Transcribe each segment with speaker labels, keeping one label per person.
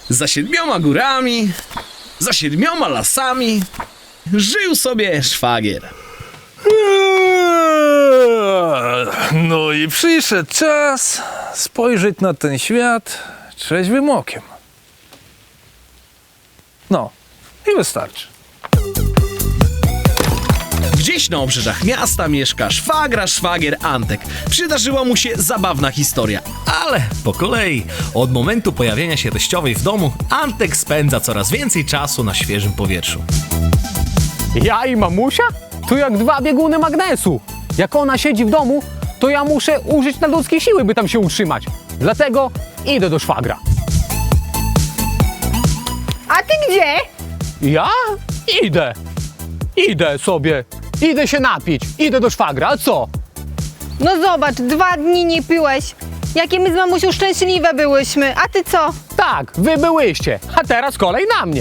Speaker 1: Za 7 górami, za 7 lasami żył sobie szwagier.
Speaker 2: No i przyszedł czas spojrzeć na ten świat trzeźwym okiem. No, i wystarczy.
Speaker 1: Gdzieś na obrzeżach miasta mieszka szwagier Antek. Przydarzyła mu się zabawna historia, ale po kolei. Od momentu pojawienia się teściowej w domu, Antek spędza coraz więcej czasu na świeżym powietrzu.
Speaker 3: Ja i mamusia? To jak 2 bieguny magnesu. Jak ona siedzi w domu, to ja muszę użyć nadludzkiej siły, by tam się utrzymać. Dlatego idę do szwagra.
Speaker 4: A ty gdzie?
Speaker 3: Ja? Idę sobie. Idę się napić. Idę do szwagra. A co?
Speaker 4: No zobacz, 2 dni nie piłeś. Jakie my z mamusią szczęśliwe byłyśmy. A ty co?
Speaker 3: Tak, wy byłyście. A teraz kolej na mnie.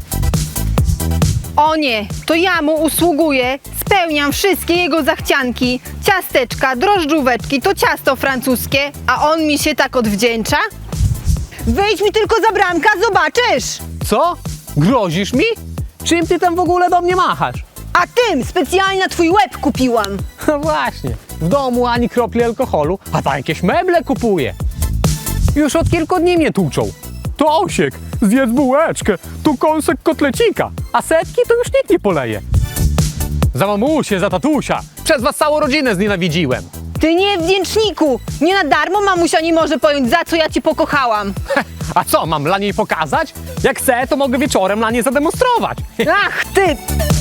Speaker 4: O nie, to ja mu usługuję. Spełniam wszystkie jego zachcianki. Ciasteczka, drożdżóweczki, to ciasto francuskie. A on mi się tak odwdzięcza? Wyjdź mi tylko za bramka, zobaczysz.
Speaker 3: Co? Grozisz mi? Czym ty tam w ogóle do mnie machasz?
Speaker 4: A tym specjalnie na twój łeb kupiłam.
Speaker 3: No właśnie, w domu ani kropli alkoholu, a tam jakieś meble kupuję. Już od kilku dni mnie tłuczą. To Osiek, zjedz bułeczkę, tu kąsek kotlecika, a setki to już nikt nie poleje. Za mamusię, za tatusia, przez was całą rodzinę znienawidziłem.
Speaker 4: Ty niewdzięczniku! Nie na darmo mamusia nie może pojąć, za co ja cię pokochałam.
Speaker 3: A co, mam dla niej pokazać? Jak chcę, to mogę wieczorem dla niej zademonstrować.
Speaker 4: Ach ty!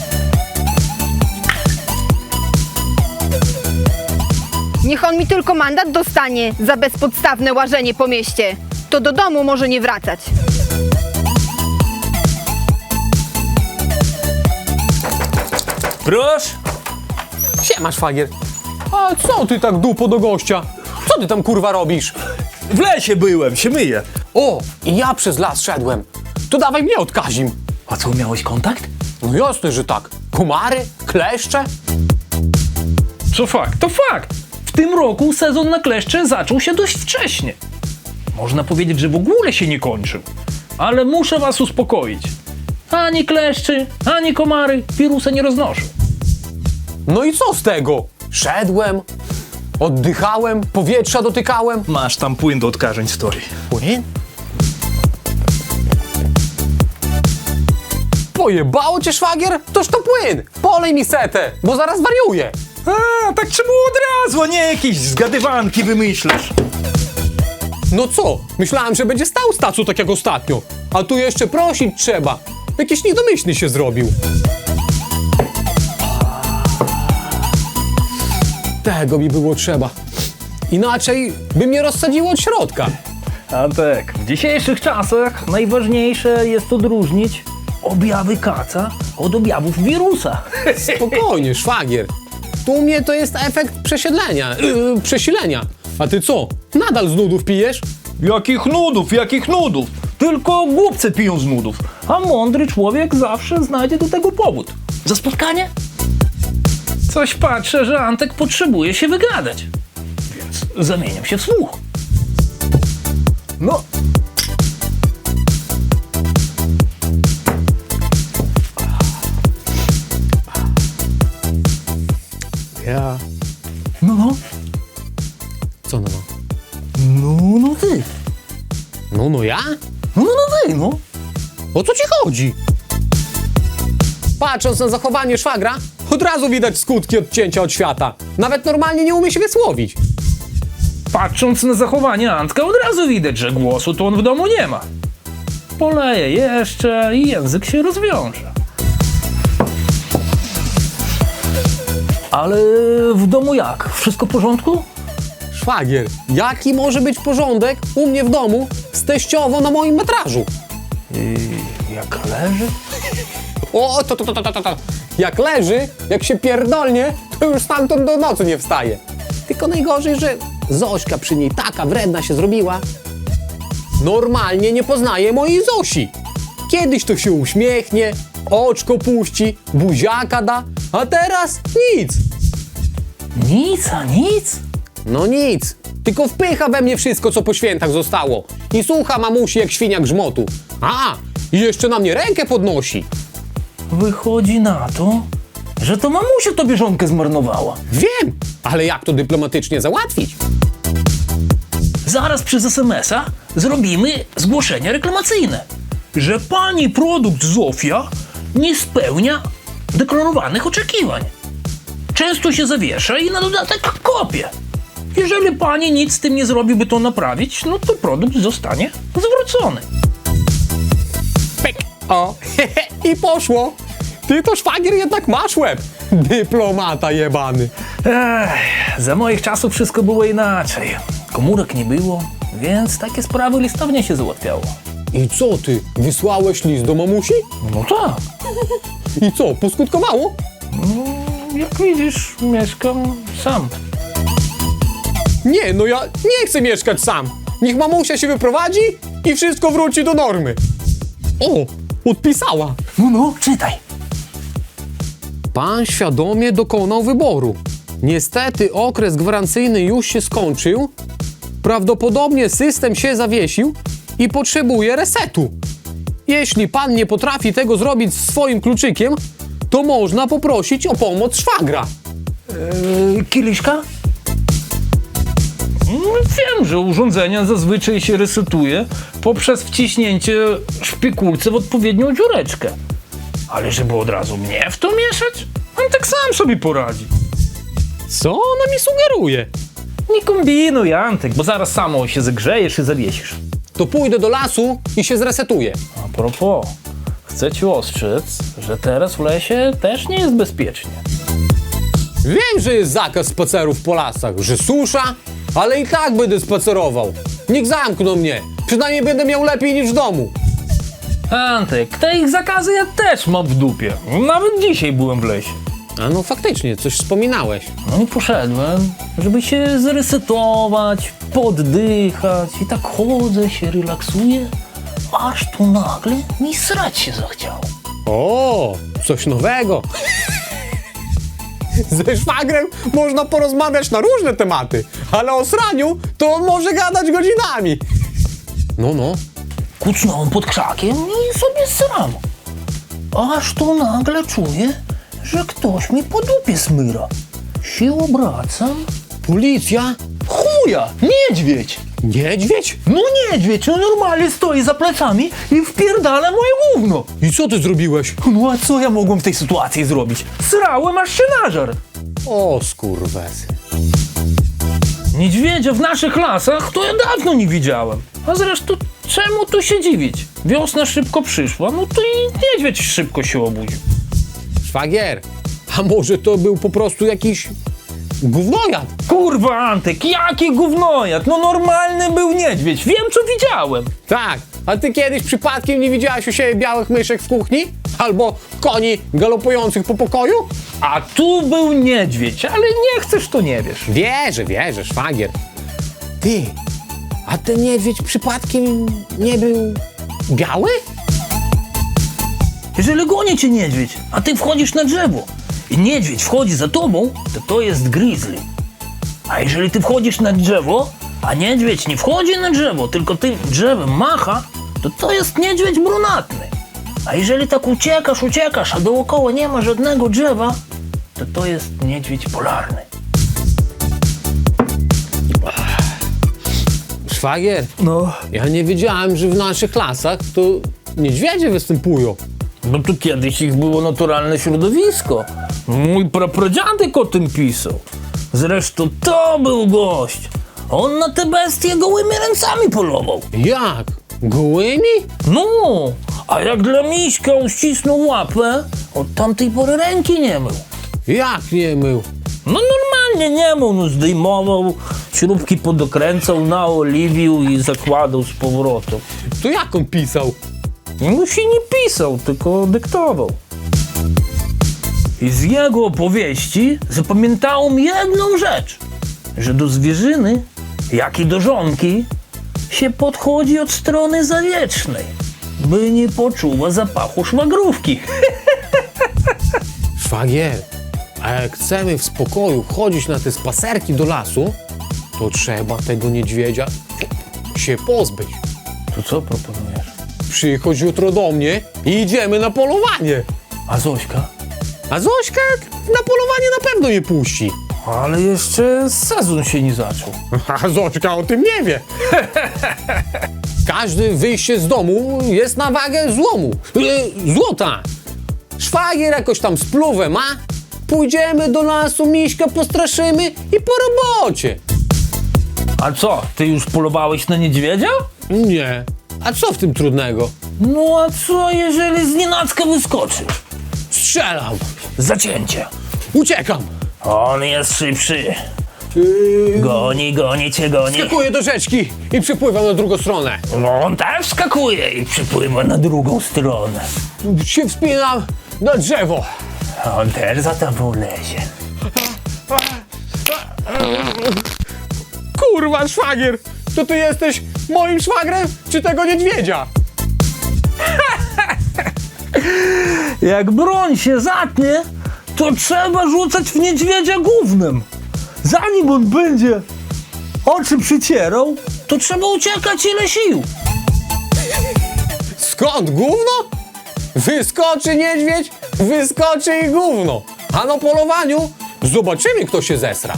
Speaker 4: Niech on mi tylko mandat dostanie za bezpodstawne łażenie po mieście. To do domu może nie wracać.
Speaker 2: Proszę.
Speaker 3: Siema, szwagier. A co ty tak dupo do gościa? Co ty tam kurwa robisz?
Speaker 2: W lesie byłem, się myję.
Speaker 3: O, i ja przez las szedłem. To dawaj mnie odkazim.
Speaker 2: A co, miałeś kontakt?
Speaker 3: No jasne, że tak. Komary, kleszcze.
Speaker 5: Co fakt, to fakt. W tym roku sezon na kleszcze zaczął się dość wcześnie. Można powiedzieć, że w ogóle się nie kończył. Ale muszę was uspokoić. Ani kleszczy, ani komary wirusa nie roznoszą.
Speaker 3: No i co z tego? Szedłem, oddychałem, powietrza dotykałem.
Speaker 2: Masz tam płyn do odkażeń, story.
Speaker 3: Płyn? Pojebało cię, szwagier? Toż to płyn. Polej mi setę, bo zaraz wariuję.
Speaker 2: A, tak czemu od razu, a nie jakieś zgadywanki wymyślasz?
Speaker 3: No co? Myślałem, że będzie stał stacu tak jak ostatnio. A tu jeszcze prosić trzeba. Jakiś niedomyślny się zrobił. Tego mi było trzeba. Inaczej by mnie rozsadziło od środka.
Speaker 5: Antek, w dzisiejszych czasach najważniejsze jest odróżnić objawy kaca od objawów wirusa.
Speaker 3: Spokojnie, szwagier. Tu u mnie to jest efekt przesilenia. A ty co? Nadal z nudów pijesz?
Speaker 5: Jakich nudów, jakich nudów? Tylko głupcy piją z nudów, a mądry człowiek zawsze znajdzie do tego powód. Za spotkanie? Coś patrzę, że Antek potrzebuje się wygadać, więc zamieniam się w słuch.
Speaker 3: No. Ja.
Speaker 5: No,
Speaker 3: Co no?
Speaker 5: no ty.
Speaker 3: No ja?
Speaker 5: No ty, no.
Speaker 3: O co ci chodzi? Patrząc na zachowanie szwagra, od razu widać skutki odcięcia od świata. Nawet normalnie nie umie się wysłowić.
Speaker 5: Patrząc na zachowanie Antka, od razu widać, że głosu to on w domu nie ma. Poleje jeszcze i język się rozwiąże. Ale w domu jak? Wszystko w porządku?
Speaker 3: Szwagier, jaki może być porządek u mnie w domu z teściową na moim metrażu?
Speaker 5: Jak leży?
Speaker 3: O, to. Jak leży, jak się pierdolnie, to już stamtąd do nocy nie wstaje. Tylko najgorzej, że Zośka przy niej taka wredna się zrobiła. Normalnie nie poznaje mojej Zosi. Kiedyś to się uśmiechnie, oczko puści, buziaka da, a teraz nic.
Speaker 5: Nic, a nic?
Speaker 3: No nic, tylko wpycha we mnie wszystko, co po świętach zostało. I słucha mamusi jak świnia grzmotu. A, i jeszcze na mnie rękę podnosi.
Speaker 5: Wychodzi na to, że to mamusia tobie żonkę zmarnowała.
Speaker 3: Wiem, ale jak to dyplomatycznie załatwić?
Speaker 5: Zaraz przez SMS-a zrobimy zgłoszenie reklamacyjne, że pani produkt Zofia nie spełnia deklarowanych oczekiwań. Często się zawiesza i na dodatek kopie. Jeżeli pani nic z tym nie zrobi, by to naprawić, no to produkt zostanie zwrócony.
Speaker 3: Pyk. O, i poszło. Ty to, szwagier, jednak masz łeb. Dyplomata jebany.
Speaker 5: Za moich czasów wszystko było inaczej. Komórek nie było, więc takie sprawy listownie się załatwiało.
Speaker 3: I co ty, wysłałeś list do mamusi?
Speaker 5: No tak.
Speaker 3: I co, poskutkowało?
Speaker 5: Jak widzisz, mieszkam sam.
Speaker 3: Nie, no ja nie chcę mieszkać sam. Niech mamusia się wyprowadzi i wszystko wróci do normy. O, odpisała.
Speaker 5: No, czytaj.
Speaker 3: Pan świadomie dokonał wyboru. Niestety okres gwarancyjny już się skończył. Prawdopodobnie system się zawiesił i potrzebuje resetu. Jeśli pan nie potrafi tego zrobić swoim kluczykiem, to można poprosić o pomoc szwagra.
Speaker 5: Kieliszka? Wiem, że urządzenia zazwyczaj się resetuje poprzez wciśnięcie szpikulce w odpowiednią dziureczkę. Ale żeby od razu mnie w to mieszać? On tak sam sobie poradzi.
Speaker 3: Co ona mi sugeruje?
Speaker 5: Nie kombinuj, Antek, bo zaraz samo się zagrzejesz i zawiesisz.
Speaker 3: To pójdę do lasu i się zresetuję.
Speaker 5: A propos, chcę ci ostrzec, że teraz w lesie też nie jest bezpiecznie.
Speaker 3: Wiem, że jest zakaz spacerów po lasach, że susza, ale i tak będę spacerował. Nikt zamknął mnie. Przynajmniej będę miał lepiej niż w domu.
Speaker 5: Antek, te ich zakazy ja też mam w dupie. Nawet dzisiaj byłem w lesie.
Speaker 3: A no faktycznie, coś wspominałeś.
Speaker 5: No i poszedłem, żeby się zresetować, poddychać i tak chodzę, się relaksuję, aż tu nagle mi srać się zachciało.
Speaker 3: O, coś nowego. Ze szwagrem można porozmawiać na różne tematy, ale o sraniu to on może gadać godzinami. No.
Speaker 5: Kucnąłem pod krzakiem i sobie sram. Aż tu nagle czuję, że ktoś mi po dupie smyra. Się obracam.
Speaker 3: Policja?
Speaker 5: Chuja! Niedźwiedź!
Speaker 3: Niedźwiedź?
Speaker 5: No niedźwiedź, on normalnie stoi za plecami i wpierdala moje gówno.
Speaker 3: I co ty zrobiłeś?
Speaker 5: No a co ja mogłem w tej sytuacji zrobić? Srałem, aż się nażar.
Speaker 3: O, skurwes.
Speaker 5: Niedźwiedzia w naszych lasach to ja dawno nie widziałem. A zresztą czemu tu się dziwić? Wiosna szybko przyszła, no to i niedźwiedź szybko się obudził.
Speaker 3: Szwagier, a może to był po prostu jakiś gównojad?
Speaker 5: Kurwa Antek, jaki gównojad? No normalny był niedźwiedź, wiem co widziałem.
Speaker 3: Tak, a ty kiedyś przypadkiem nie widziałeś u siebie białych myszek w kuchni? Albo koni galopujących po pokoju?
Speaker 5: A tu był niedźwiedź, ale nie chcesz to nie wiesz.
Speaker 3: Wierzę, szwagier. Ty, a ten niedźwiedź przypadkiem nie był biały?
Speaker 5: Jeżeli goni cię niedźwiedź, a ty wchodzisz na drzewo i niedźwiedź wchodzi za tobą, to jest grizzly. A jeżeli ty wchodzisz na drzewo, a niedźwiedź nie wchodzi na drzewo, tylko tym drzewem macha, to jest niedźwiedź brunatny. A jeżeli tak uciekasz, a dookoła nie ma żadnego drzewa, to jest niedźwiedź polarny.
Speaker 3: Szwagier,
Speaker 5: No,
Speaker 3: ja nie wiedziałem, że w naszych lasach to niedźwiedzie występują.
Speaker 5: no to kiedyś ich było naturalne środowisko. Mój prapradziadek o tym pisał. Zresztą to był gość. On na te bestie gołymi ręcami polował.
Speaker 3: Jak? Gołymi?
Speaker 5: No, a jak dla miśka uścisnął łapę, od tamtej pory ręki nie mył.
Speaker 3: Jak nie mył?
Speaker 5: No normalnie nie mył, no zdejmował, śrubki podokręcał, naoliwił i zakładał z powrotem.
Speaker 3: To jak on pisał?
Speaker 5: No się nie pisał, tylko dyktował. I z jego opowieści zapamiętałem jedną rzecz, że do zwierzyny, jak i do żonki, się podchodzi od strony zawiecznej, by nie poczuła zapachu szwagrówki.
Speaker 3: Szwagier, a jak chcemy w spokoju chodzić na te spacerki do lasu, to trzeba tego niedźwiedzia się pozbyć.
Speaker 5: To co proponujesz?
Speaker 3: Przychodź jutro do mnie i idziemy na polowanie.
Speaker 5: A Zośka?
Speaker 3: A Zośka na polowanie na pewno nie puści.
Speaker 5: Ale jeszcze sezon się nie zaczął.
Speaker 3: A Zośka o tym nie wie. Każde wyjście z domu jest na wagę złota. Szwagier jakoś tam spluwę ma. Pójdziemy do lasu, Miśka postraszymy i po robocie.
Speaker 5: A co, ty już polowałeś na niedźwiedzia?
Speaker 3: Nie. A co w tym trudnego?
Speaker 5: No a co, jeżeli znienacka wyskoczy?
Speaker 3: Strzelam.
Speaker 5: Zacięcie.
Speaker 3: Uciekam.
Speaker 5: On jest szybszy. Goni cię, goni.
Speaker 3: Skakuję do rzeczki i przypływam na drugą stronę.
Speaker 5: No on też skakuje i przypływa na drugą stronę.
Speaker 3: Się wspinam na drzewo.
Speaker 5: A on też za tobą lezie.
Speaker 3: Kurwa, szwagier! To ty jesteś moim szwagrem, czy tego niedźwiedzia?
Speaker 5: Jak broń się zatnie, to trzeba rzucać w niedźwiedzia gównem. Zanim on będzie oczy przycierał, to trzeba uciekać ile sił.
Speaker 3: Skąd gówno? Wyskoczy niedźwiedź, wyskoczy i gówno. A na polowaniu zobaczymy, kto się zesra.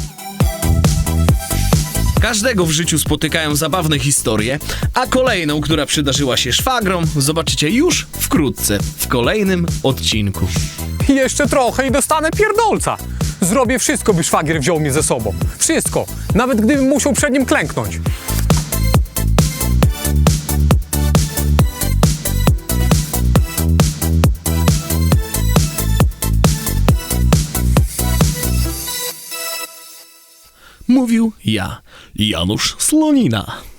Speaker 1: Każdego w życiu spotykają zabawne historie, a kolejną, która przydarzyła się szwagrom, zobaczycie już wkrótce, w kolejnym odcinku.
Speaker 3: Jeszcze trochę i dostanę pierdolca. Zrobię wszystko, by szwagier wziął mnie ze sobą. Wszystko. Nawet gdybym musiał przed nim klęknąć.
Speaker 1: Mówił ja, Janusz Slonina.